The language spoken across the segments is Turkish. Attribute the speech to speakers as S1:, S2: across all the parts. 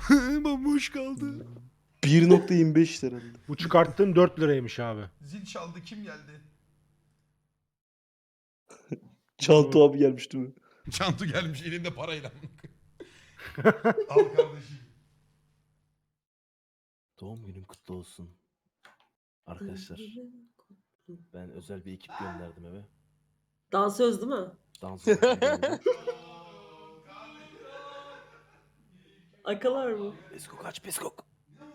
S1: Bomboş kaldı.
S2: 1.25 herhalde.
S3: Bu çıkarttığın 4 liraymış abi.
S1: Zil çaldı, kim geldi?
S2: Çanta abi gelmiş değil mi?
S1: Çantu gelmiş elinde parayla. Al kardeşim.
S4: Doğum günün kutlu olsun. Arkadaşlar ben özel bir ekip gönderdim eve.
S5: Dansöz değil mi?
S4: Dans ekibi geldi.
S5: Akalar mı?
S4: Peskok aç peskok.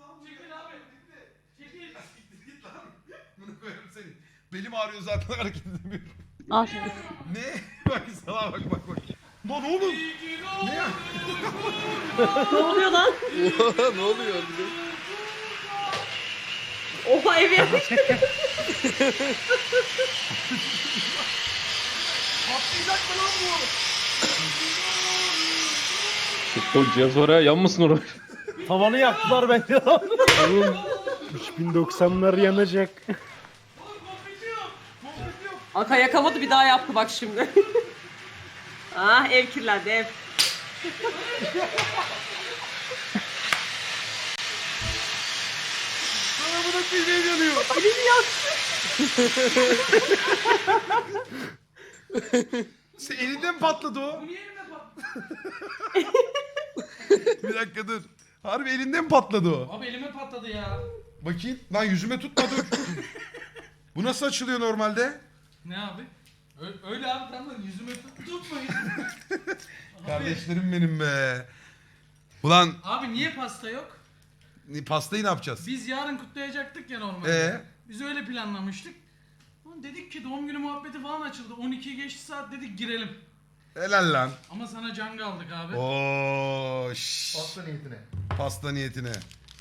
S1: Bunu koyarım senin. Belim ağrıyor zaten hareket edemiyorum.
S5: Al.
S1: Ne? Bak sana bak. Lan oğlum. Ne ya?
S5: Ne oluyor lan?
S2: Ne oluyor?
S5: Oha ev yapmış.
S1: Patlayacak mı lan bu?
S6: O cihaz var ya, yanmasın oraya.
S4: Tavanı yaktılar bence.
S3: Oğlum 3090'lar yanacak.
S5: Aka yakamadı bir daha yaptı bak şimdi. Ah ev kirlendi ev.
S1: Sana bırak bir şey yanıyor.
S5: Elini yaktı.
S1: Sen elinden mi patladı o? Bir dakika dur. Harbi elinden mi patladı o?
S7: Abi elime patladı ya.
S1: Bakayım. Lan yüzüme tutma dur. Bu nasıl açılıyor normalde?
S7: Ne abi? Öyle abi tamam yüzüme tutmayın.
S1: Kardeşlerim benim be. Ulan
S7: Abi niye pasta yok?
S1: pastayı ne yapacağız?
S7: Biz yarın kutlayacaktık ya normalde.
S1: Ee?
S7: Biz öyle planlamıştık. Ulan dedik ki doğum günü muhabbeti falan açıldı. 12'yi geçti saat dedik girelim.
S1: Helal lan.
S7: Ama sana can aldık abi.
S1: Oo, Pasta niyetine. Pasta niyetine.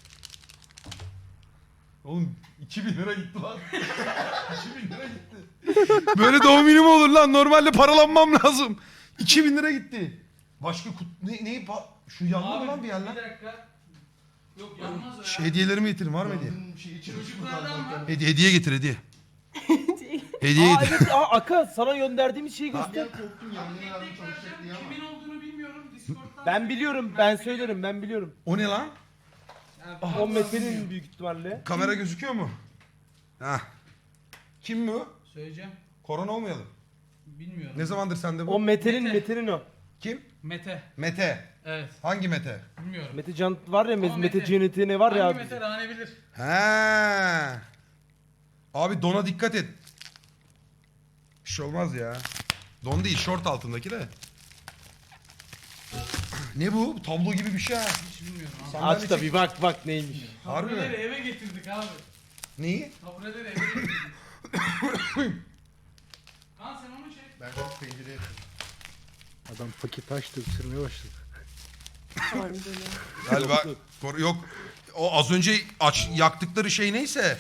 S1: Oğlum 2000 lira gitti lan. 2000 lira gitti. Böyle doğum günü mü olur lan? Normalde paralanmam lazım. 2000 lira gitti. Başka şu yandı mı lan bir yerler?
S7: Bir dakika. Yok yanmaz o ya.
S1: Hediyelerimi getirin, var mı hediye?
S7: Çocuklardan var.
S1: Hediye getir hediye. Hediye getir.
S4: Evet Aka sana gönderdiğimiz şeyi göster.
S7: Kimin olduğunu bilmiyorum. Discord'dan.
S4: Ben biliyorum ben söylerim ben biliyorum.
S1: O ne lan?
S7: Yani,
S4: O Mete'nin büyük ihtimalle.
S1: Kamera gözüküyor mu? Hah. Kim mi o?
S7: Söyleyeceğim.
S1: Korona olmayalım.
S7: Bilmiyorum.
S1: Ne zamandır sende bu?
S4: O
S7: Mete.
S4: Mete'nin o.
S1: Kim?
S7: Mete.
S1: Mete.
S7: Evet.
S1: Hangi Mete?
S7: Bilmiyorum.
S4: Mete Can var ya
S7: Ama
S4: Mete
S7: Mete.
S4: Cennet'i ne var ya
S7: Hangi
S4: abi.
S7: Mete Rane bilir.
S1: He. Abi dona dikkat et. Bir şey olmaz ya. Don değil, şort altındaki de. Ne bu? Tablo gibi bir şey ha.
S7: Hiç bilmiyorum abi.
S1: Sandalye
S4: Aç da bir bak neymiş.
S1: Harbi mi?
S7: Tabureleri eve getirdik abi.
S1: Neyi?
S7: Tabureleri eve getirdik. Lan sen onu çek.
S3: Adam paket açtı ısırmaya başladı.
S1: Galiba yok. O az önce yaktıkları şey neyse.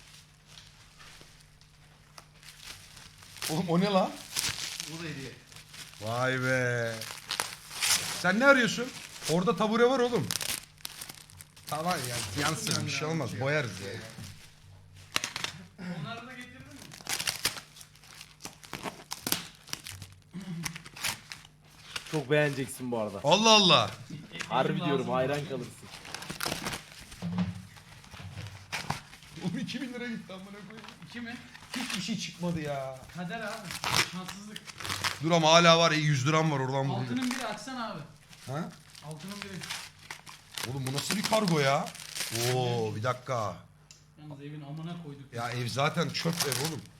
S1: Oğlum o ne lan? Bu da hediye. Vay be. Sen ne arıyorsun? Orada tabure var oğlum. Tamam ya yansın bir şey olmaz boyarız ya.
S7: Onları da getirdin mi?
S4: Çok beğeneceksin bu arada.
S1: Allah Allah.
S4: Harbi diyorum
S7: Lazım.
S4: hayran kalırsın.
S1: Oğlum 2000 lira gitti amına koyayım.
S7: 2 mi?
S1: Hiçbir şey çıkmadı ya.
S7: Kader abi. Şanssızlık.
S1: Dur ama hala var 100 liram var oradan bulayım.
S7: Altının biri açsana abi.
S1: Ha?
S7: Altının biri.
S1: Oğlum bu nasıl bir kargo ya? Oo bir dakika.
S7: Yalnız evin amına koyduk.
S1: Ya ev zaten çöp ev oğlum.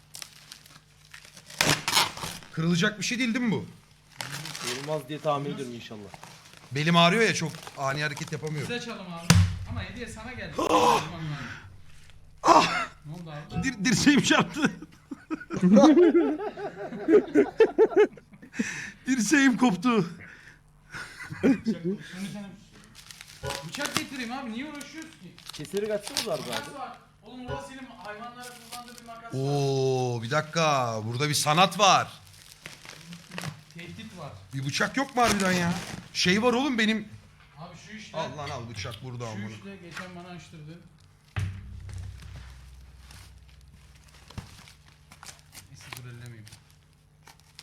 S1: Kırılacak bir şey değil mi bu?
S4: Olmaz diye tahmin ediyorum inşallah.
S1: Belim ağrıyor ya çok ani hareket yapamıyorum.
S7: Size çalım abi. Ama hediye sana geldi. Ne oldu abi?
S1: Dirseğim çarptı. Dirseğim koptu.
S7: Bıçak getireyim abi. Niye uğraşıyoruz ki?
S4: Keseri kaçsanız vardı
S7: Makas
S4: abi.
S7: var. Oğlum orada senin hayvanlara kullandığı bir makas var.
S1: Oo bir dakika burada bir sanat var.
S7: Tehdit var.
S1: Bir bıçak yok mu harbiden ya? Şey var oğlum benim.
S7: Abi şu işte.
S1: Al lan al bıçak burada
S7: Şu
S1: amına.
S7: işte geçen bana açtırdı. Neyse dur ellemeyeyim.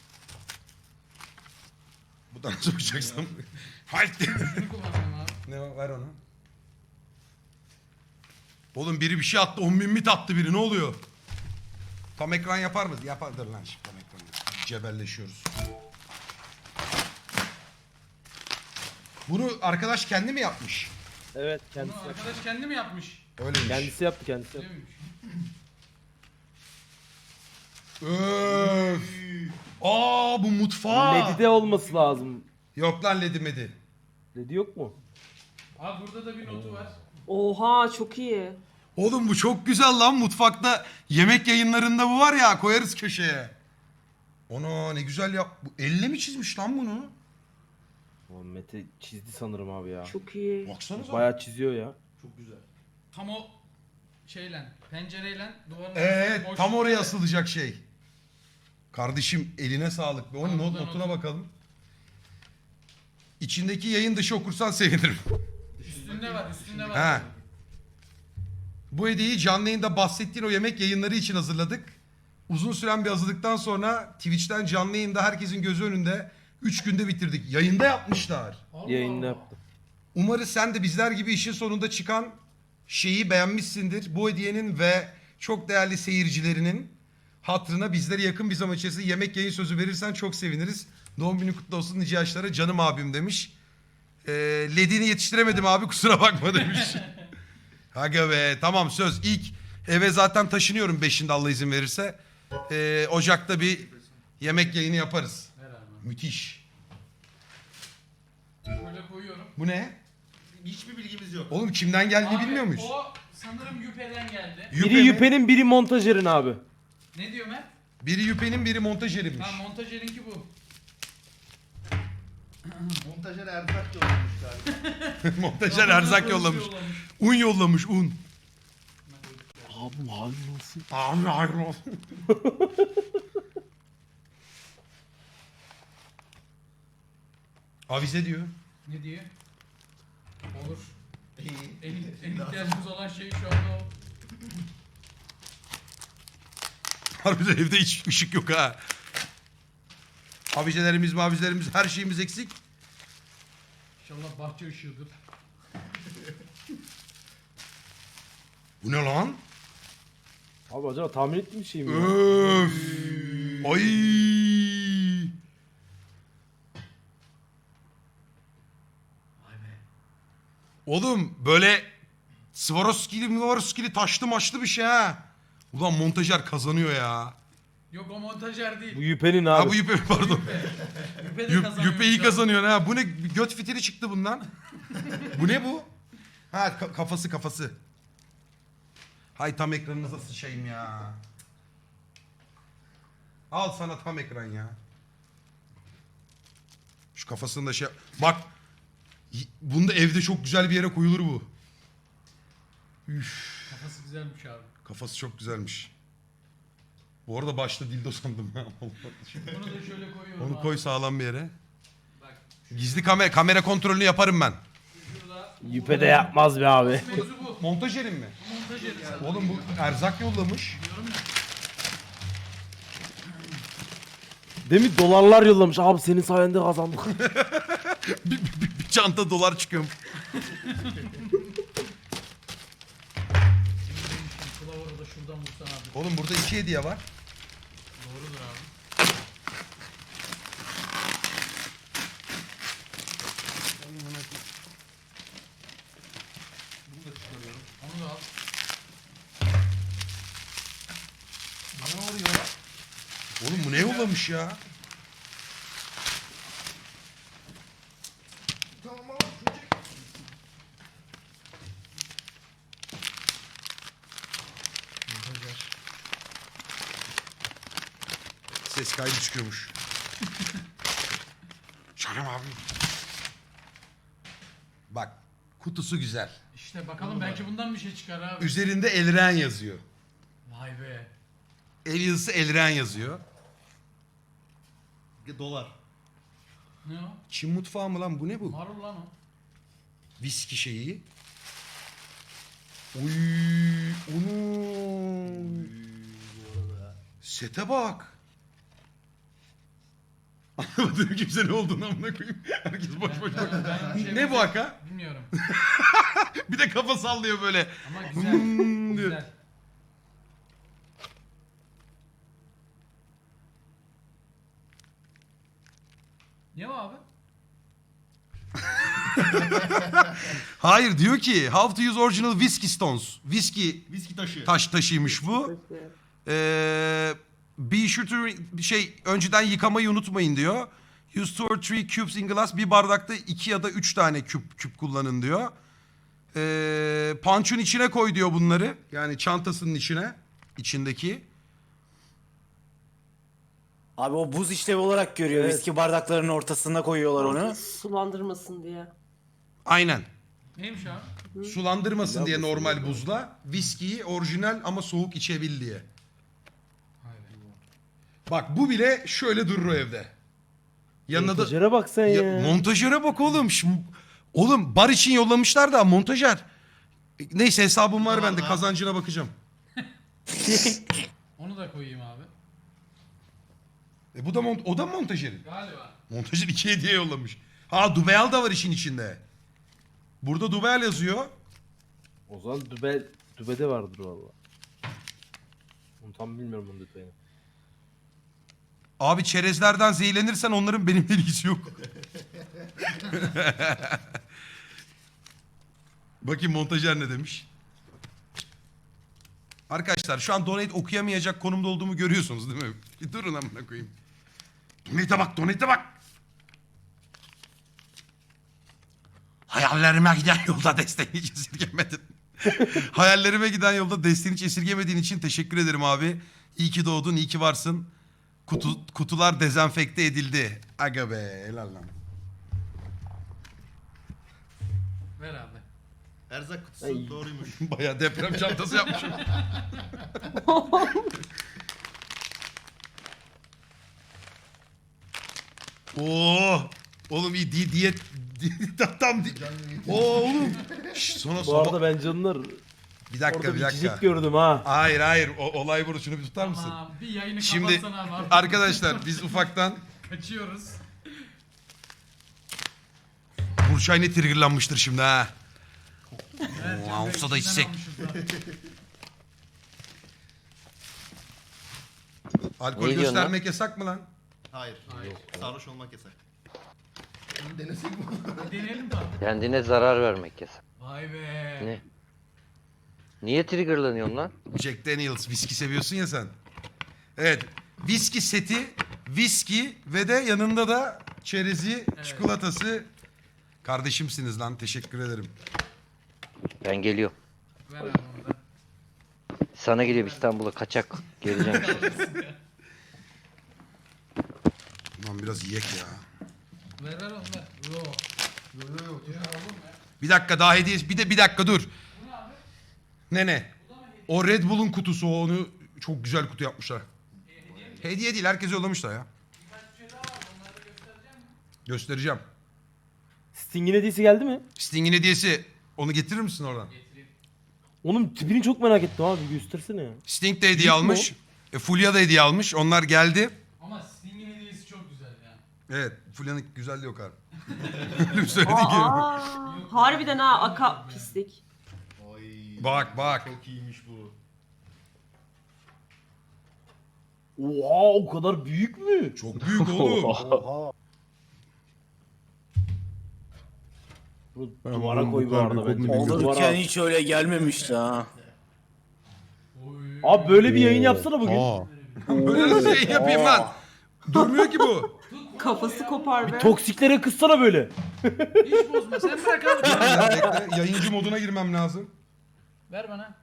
S1: Bu da nasıl bıçaksam? Haydi.
S7: Şunu kullanıyorum abi.
S1: Ne o? ver onu. Oğlum biri bir şey attı. 10.000 mit attı biri. Ne oluyor? Tam ekran yapar mı? Yapardır lan şimdi tam ekranı. Cebelleşiyoruz. Bunu arkadaş kendi mi yapmış?
S4: Evet
S7: Bunu
S4: kendisi yaptı.
S7: arkadaş kendi mi yapmış?
S1: Öyleymiş.
S4: Kendisi yaptı kendisi
S7: Öyle
S4: yaptı.
S7: miymiş?
S1: Öf. Aa bu mutfağı.
S4: Ledi de olması lazım.
S1: Yok lan ledi medi.
S4: Ledi yok mu?
S7: Abi burada da bir notu var.
S5: Oha çok iyi.
S1: Oğlum bu çok güzel lan mutfakta. Yemek yayınlarında bu var ya koyarız köşeye. Ona ne güzel yap. Bu elle mi çizmiş lan bunu?
S4: O Mete çizdi sanırım abi ya.
S5: Çok iyi.
S1: Baksanıza.
S4: Bayağı çiziyor ya.
S7: Tam o şeyle, pencereyle duvarın
S1: Evet
S7: arasında boşluk
S1: tam oraya
S7: var.
S1: asılacak şey. Kardeşim eline sağlık. Onun
S7: Tamam, buradan
S1: notuna
S7: otur.
S1: bakalım. İçindeki yayın dışı okursan sevinirim.
S7: Üstünde var, üstünde var.
S1: Ha. Bu hediyeyi canlı yayında bahsettiğin o yemek yayınları için hazırladık. Uzun süren bir hazırlıktan sonra Twitch'ten canlı yayında herkesin gözü önünde 3 günde bitirdik. Yayında yapmışlar.
S7: Allah
S4: Yayında
S7: Allah.
S4: yaptı.
S1: Umarız sen de bizler gibi işin sonunda çıkan şeyi beğenmişsindir. Bu hediyenin ve çok değerli seyircilerinin hatırına bizlere yakın bir zaman içerisinde yemek yayın sözü verirsen çok seviniriz. Doğum günü kutlu olsun nice yaşlara canım abim demiş. Ledini yetiştiremedim abi kusura bakma demiş. Aga be tamam söz. İlk eve zaten taşınıyorum 5'inde Allah izin verirse. Ocak'ta bir yemek yayını yaparız.
S7: Ver abi.
S1: Müthiş.
S7: Şöyle koyuyorum.
S1: Bu ne?
S8: Hiçbir bilgimiz yok.
S1: Oğlum kimden geldiğini
S7: Abi,
S1: bilmiyor muyuz?
S7: O sanırım Yüpe'den geldi.
S1: Yüpe
S4: Biri
S1: mi?
S4: Yüpe'nin biri montajerin abi.
S7: Ne diyor Mert?
S1: Biri Yüpe'nin biri montajerinmiş.
S7: Ha montajerinki bu.
S8: Montajer erzak yollamış galiba.
S1: Montajer erzak yollamış. Un yollamış un.
S4: Abi abi nasıl?
S1: Abi hayırlı olsun. Avize diyor.
S7: Ne diyor? Olur.
S8: İyi.
S7: En ihtiyacımız olan şey şu anda o.
S1: Harbiden evde hiç ışık yok ha. Avizelerimiz her şeyimiz eksik.
S7: İnşallah bahçe ışığıdır.
S1: Bu ne lan?
S4: Abi acaba tahmin ettiğim bir şey mi? ya?
S1: Öf. Ay. Oğlum böyle Swarovski'li taşlı maçlı bir şey ha. Ulan montajer kazanıyor ya.
S7: Yok o montajer değil.
S4: Bu Yüpe'nin abi.
S1: Ha bu Yüpe pardon.
S7: Yüpe de kazanıyor.
S1: Yüpe iyi
S7: şu an.
S1: kazanıyor ha. Bu ne göt fitili çıktı bundan. Bu ne bu? Ha kafası. Hay tam ekranınıza sıçayım ya. Al sana tam ekran ya. Şu kafasında şey... Bak. Bunda evde çok güzel bir yere koyulur bu. Üf.
S7: Kafası güzelmiş abi.
S1: Kafası çok güzelmiş. Bu arada başta dildo sandım.
S7: Bunu da şöyle koyuyorum
S1: Onu
S7: abi.
S1: koy sağlam bir yere.
S7: Bak
S1: Gizli kamera kontrolünü yaparım ben.
S7: şurada.
S4: Yüpe de yapmaz be abi.
S7: Mevzu bu.
S1: Montajerim mi?
S7: Montajeri zaten.
S1: Oğlum bu erzak yollamış.
S7: Diyorum ya.
S4: Demin dolarlar yollamış. Abi senin sayende kazandık.
S1: Bir çanta dolar çıkıyor.
S7: Kılavuru da şuradan vursan abi.
S1: Oğlum burada 2 hediye var.
S7: Doğrudur abi. Onu da al.
S1: Ne oluyor? Oğlum bu ne yollamış ya? Ses kaydı çıkıyormuş. Canım abi. Bak kutusu güzel.
S7: İşte bakalım belki bundan bir şey çıkar abi.
S1: Üzerinde Elren yazıyor.
S7: Vay be.
S1: El yazısı Elren yazıyor.
S8: Dolar.
S7: Ne o?
S1: Çin mutfağı mı lan bu ne bu?
S7: Marul lan o.
S1: Viski şeyi. Oy, onu. Sete bak. Anlamadım kimse ne olduğunu amına koyayım. Herkes boş boş bak.
S7: Ben bir şey
S1: Ne bu haka?
S7: Bilmiyorum.
S1: Bir de kafa sallıyor böyle.
S7: Ama güzel.
S1: Hmm diyor.
S7: Güzel. Ne o abi?
S1: Hayır diyor ki how to use original whiskey stones. Whiskey
S8: Viski taşı.
S1: taşıymış bu. Be sure to önceden yıkamayı unutmayın diyor. Use 2 or 3 cubes in glass. Bir bardakta 2 ya da 3 tane küp kullanın diyor. Punch'un içine koy diyor bunları. Yani çantasının içindeki.
S9: Abi o buz işlevi olarak görüyor.
S4: Evet.
S9: Viski bardaklarının ortasına koyuyorlar onu.
S5: Sulandırmasın diye.
S1: Aynen.
S7: Neymiş abi?
S1: Sulandırmasın diye normal buzla. Viskiyi orijinal ama soğuk içebil diye. Bak bu bile şöyle durur o evde. Yanına da...
S2: Montajere bak sen ya.
S1: Montajöre bak oğlum. Oğlum bar için yollamışlar da montajer. Neyse hesabım var bende, kazancına bakacağım.
S7: Onu da koyayım abi.
S1: Bu da o da montajerin.
S7: Galiba.
S1: Montajer 2 hediye yollamış. Ha Dubeyal da var işin içinde. Burada Dubeyal yazıyor.
S4: O zaman dübede vardır valla. Onu tam bilmiyorum onun detayını.
S1: Abi çerezlerden zehirlenirsen onların benimle ilgisi yok. Bakayım montajer ne demiş. Arkadaşlar şu an donate okuyamayacak konumda olduğumu görüyorsunuz değil mi? Bir durun amına koyayım. Donate'e bak. Hayallerime giden yolda desteğini hiç esirgemedin. Hayallerime giden yolda desteğini hiç esirgemediğin için teşekkür ederim abi. İyi ki doğdun, iyi ki varsın. Kutular dezenfekte edildi. Aga be, helal lan.
S7: Ver abi.
S8: Erzak kutusu doğruymuş.
S1: Bayağı deprem çantası yapmışım. Oo, oğlum iyi diyet tam oğlum. Şş, sonra
S4: Bu
S1: sabah...
S4: arada ben canlar
S1: Bir dakika
S4: orada
S1: bir
S4: bir
S1: dakika.
S4: cicik gördüm ha.
S1: Hayır olay burada, şunu bir tutar mısın?
S7: Aa, bir yayını
S1: Şimdi
S7: kapatsana abi.
S1: arkadaşlar biz ufaktan
S7: Kaçıyoruz.
S1: Burçay ne triggerlanmıştır şimdi ha.
S7: Evet,
S1: Oo, olsa da içsek. Alkol göstermek yasak mı lan?
S8: Hayır.
S7: Hayır.
S8: Sarhoş olmak yasak. Bunu denesek mi?
S7: Deneyelim tabii.
S10: Kendine zarar vermek yasak.
S7: Vay be.
S10: Ne? Niye triggerlanıyorsun lan?
S1: Jack Daniels viski seviyorsun ya sen. Evet. Viski seti, viski ve de yanında da çerezi, çikolatası. Kardeşimsiniz lan, teşekkür ederim.
S10: Ben geliyorum.
S7: Ver abi onu da.
S10: Sana geliyorum İstanbul'a kaçak. Geleceğim işte.
S1: Lan biraz yiyek ya.
S7: Ver onu ver. Yo.
S1: Bir dakika daha hediye, bir dakika dur. Ne? O Red Bull'un kutusu, onu çok güzel kutu yapmışlar. Hediye değil, herkese yollamışlar ya. Göstereceğim.
S2: Sting'in hediyesi geldi mi?
S1: Sting'in hediyesi, onu getirir misin oradan?
S2: Onun tipini çok merak ettim abi, göstersene ya.
S1: Sting de hediye
S2: Büyük mü
S1: almış. Fulya da hediye almış. Onlar geldi.
S7: Ama Sting'in hediyesi çok güzel ya.
S1: Evet, Fulya'nın güzelliği yok abi. Öyle söylediği gibi.
S5: Harbiden ha aka pislik.
S8: Oy.
S1: Bak.
S8: Çok iyiymiş bu.
S2: Oha, o kadar büyük mü?
S1: Çok büyük oğlum.
S2: Oha. Bunu duvara koy bu arada bence.
S9: Olurken hiç öyle gelmemişti ha.
S7: Oy.
S2: Abi böyle bir yayın yapsana bugün.
S1: Böyle nasıl şey yapayım lan? Durmuyor ki bu.
S5: Kafası kopar be.
S2: Toksiklere kızsana böyle.
S7: Hiç bozma. Sen bırak abi.
S1: Bekle, yayıncı moduna girmem lazım.
S7: Ver bana.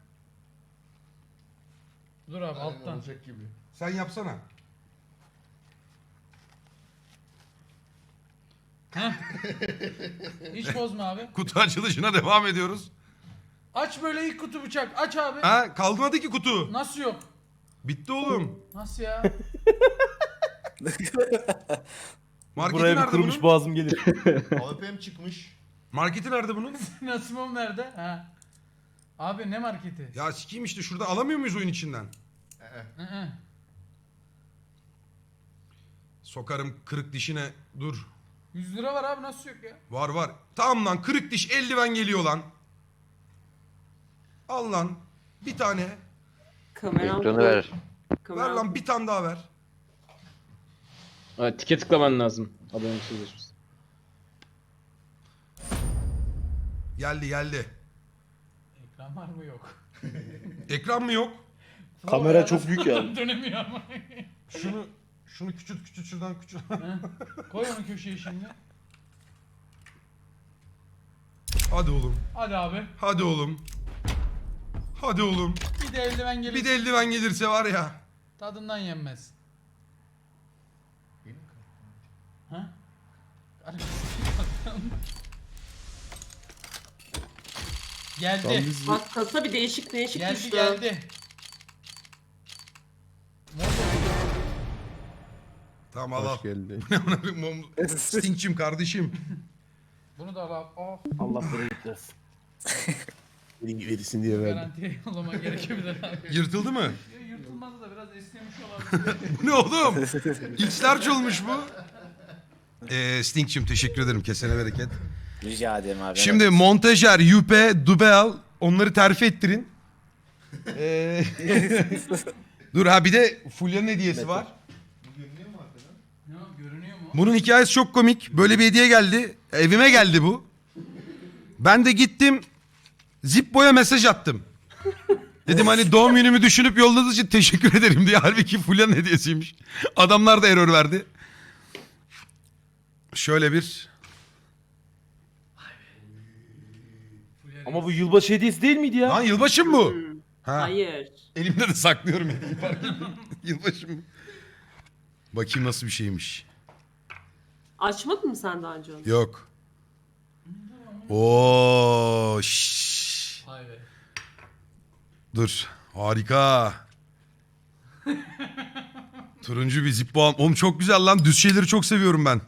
S7: Dur abi alttan.
S8: Olacak gibi.
S1: Sen yapsana.
S7: Hiç bozma abi.
S1: Kutu açılışına devam ediyoruz.
S7: Aç böyle ilk kutu bıçak. Aç abi.
S1: Ha, kaldırmadı ki kutu.
S7: Nasıl yok?
S1: Bitti oğlum.
S7: Nasıl ya?
S1: Marketi
S2: Buraya bir
S1: nerede
S2: kurumuş
S1: bunun?
S2: boğazım gelir.
S8: AWP'm çıkmış.
S1: Marketi nerede bunun?
S7: Nasımım nerede? Ha. Abi ne marketi?
S1: Ya sikiyim işte, şurada alamıyor muyuz oyun içinden?
S7: Hı hı.
S1: Sokarım kırık dişine. Dur.
S7: 100 lira var abi, nasıl yok ya?
S1: Var var. Tamam lan, kırık diş eldiven geliyor lan. Al lan. Bir tane.
S5: Kameram.
S10: Ekranı ver.
S1: Ver lan, bir tane daha ver.
S6: Evet, tike tıklaman lazım. Adamın sözleşmesi.
S1: Geldi geldi.
S7: Ekran var mı, yok?
S1: Ekran mı yok?
S3: Kamera çok büyük yani.
S7: Dönemiyor ama.
S1: Şunu küçült şuradan küçült.
S7: Koy onu köşeye şimdi.
S1: Hadi oğlum.
S7: Hadi abi.
S1: Hadi oğlum. Hadi oğlum.
S7: Bir de eldiven gelir.
S1: Bir de eldiven gelirse var ya.
S7: Tadından yenmez. Ha? Geldi.
S5: Bak kasa bir değişik
S7: Geldi
S5: düştü.
S7: geldi.
S1: Tamam al al. Stinkçim kardeşim.
S7: Bunu da al. Oh,
S2: Allah bereket versin.
S3: Verirsin diye
S7: garantiye yollama gerekebilir abi.
S1: Yırtıldı mı?
S7: Yırtılmadı da biraz esnemiş olabilir.
S1: Bu ne oğlum? İçler olmuş bu. Stinkçim teşekkür ederim. Kesene bereket.
S9: Rica ederim abi.
S1: Şimdi montajer, yüpe, dubel onları terfi ettirin. Dur ha, bir de Fulya'nın hediyesi var.
S7: Ne o, görünüyor mu?
S1: Bunun hikayesi çok komik. Böyle bir hediye geldi. Evime geldi bu. Ben de gittim. Zippo'ya mesaj attım. Dedim hani doğum günümü düşünüp yolladığınız için teşekkür ederim diye. Halbuki Fulya'nın hediyesiymiş. Adamlar da error verdi. Şöyle bir...
S2: Ama bu yılbaşı hediyesi değil miydi ya?
S1: Lan yılbaşı mı bu? Ha.
S5: Hayır.
S1: Elimde de saklıyorum hediyeyi, fark etmiyor. Yılbaşı mı? Bakayım nasıl bir şeymiş.
S5: Açmadın mı sen daha önce onu?
S1: Yok. Oo, şşş.
S7: Vay be.
S1: Dur. Harika. Turuncu bir Zippo. Oğlum çok güzel lan. Düz şeyleri çok seviyorum ben.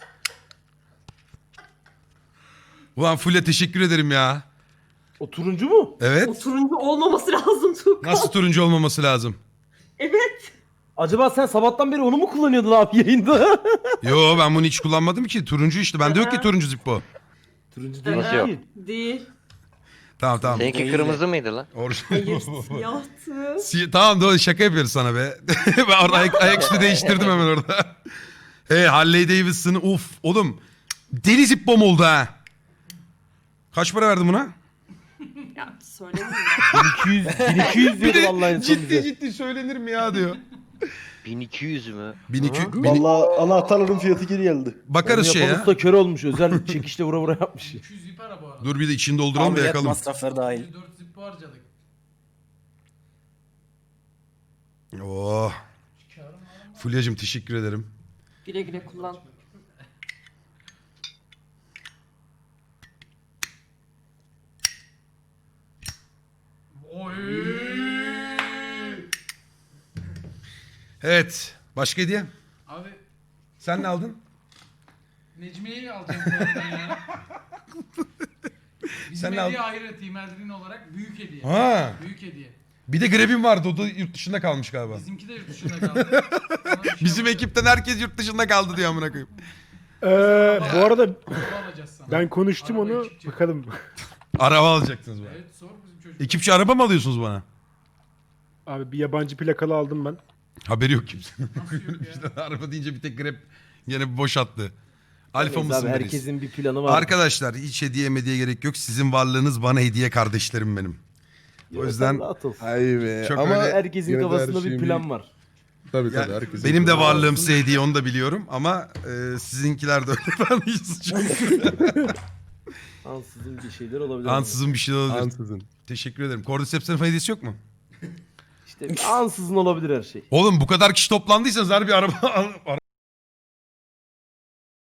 S1: Ulan Fulya teşekkür ederim ya.
S2: O turuncu mu?
S1: Evet.
S5: O turuncu olmaması lazım Tuğkan.
S1: Nasıl turuncu olmaması lazım?
S5: Evet.
S2: Acaba sen sabahtan beri onu mu kullanıyordun abi yayında?
S1: Yo, ben bunu hiç kullanmadım ki. Turuncu işte. Bende yok ki turuncu Zippo.
S2: Turuncu değil.
S10: Nasıl yok?
S2: değil.
S5: Değil.
S1: Tamam tamam.
S10: Seninki kırmızı mıydı lan?
S5: Hayır siyahtı.
S1: Tamam doğru, şaka yapıyoruz sana be. Ben orada ayaküstü değiştirdim hemen orada. Harley Davidson'ı of oğlum. Deli Zippo'm oldu ha. Kaç para verdin buna?
S5: Ya söylemeyeyim.
S2: 1200 diyordu vallahi en son bize.
S1: ciddi söylenir mi ya diyor.
S10: 1200 mü?
S1: 1200.
S3: Valla anahtarların fiyatı geri geldi.
S1: Bakarız
S2: Onu
S1: şey
S2: yapan
S1: ya.
S2: usta kör olmuş. Özel çekişle vura vura yapmış.
S7: 200 zip ara bu arada.
S1: Dur bir de içini dolduralım da
S9: Ameliyat
S1: yakalım.
S9: masrafları dahil.
S7: 4 zip harcadık.
S1: Oh. Fulya'cığım teşekkür ederim.
S5: Güle güle kullan.
S7: Oy.
S1: Evet. Başka hediye?
S7: Abi
S1: Sen ne aldın?
S7: Necmiye'yi alacağım bu arada ya. Bizim
S1: Sen ne
S7: hediye
S1: aldın?
S7: ayrı Team Eldrin olarak büyük hediye.
S1: Ha.
S7: Büyük hediye.
S1: Bir de Greb'im vardı. O da yurt dışında kalmış galiba.
S7: Bizimki de yurt dışında kaldı. Ona bir şey
S1: Bizim
S7: yapacağız.
S1: ekipten herkes yurt dışında kaldı diyor amına koyayım.
S3: Bu arada
S7: Araba alacağız sana.
S3: ben konuştum
S7: Arabayı
S3: onu.
S7: çıkacak.
S3: Bakalım.
S1: Araba alacaksınız bana.
S7: Evet sor bizim çocuk.
S1: Ekipçi araba mı alıyorsunuz bana?
S3: Abi bir yabancı plakalı aldım ben.
S1: Haberi yok kimsenin.
S7: Nasıl yok ya?
S1: İşte araba deyince bir tek Grab yine bir boş attı. Alfa
S2: Neyse
S1: mısın
S2: abi,
S1: reis?
S2: herkesin bir planı var.
S1: Arkadaşlar hiç hediye gerek yok. Sizin varlığınız bana hediye, kardeşlerim benim. O yüzden
S2: rahat ol.
S3: Hayır be.
S1: Çok öyle-
S2: Herkesin kafasında bir plan var.
S3: Tabii
S1: Ya, benim de varlığım size hediye, onu da biliyorum ama sizinkiler de öyle. Ben hiç suçum yok.
S2: Ansızın bir şeyler olabilir.
S1: Ansızın bir şey olabilir.
S3: Ansızın.
S1: Teşekkür ederim. Cordyceps'in hediyesi yok mu?
S2: İşte ansızın olabilir her şey.
S1: Oğlum bu kadar kişi toplandıysanız harbi araba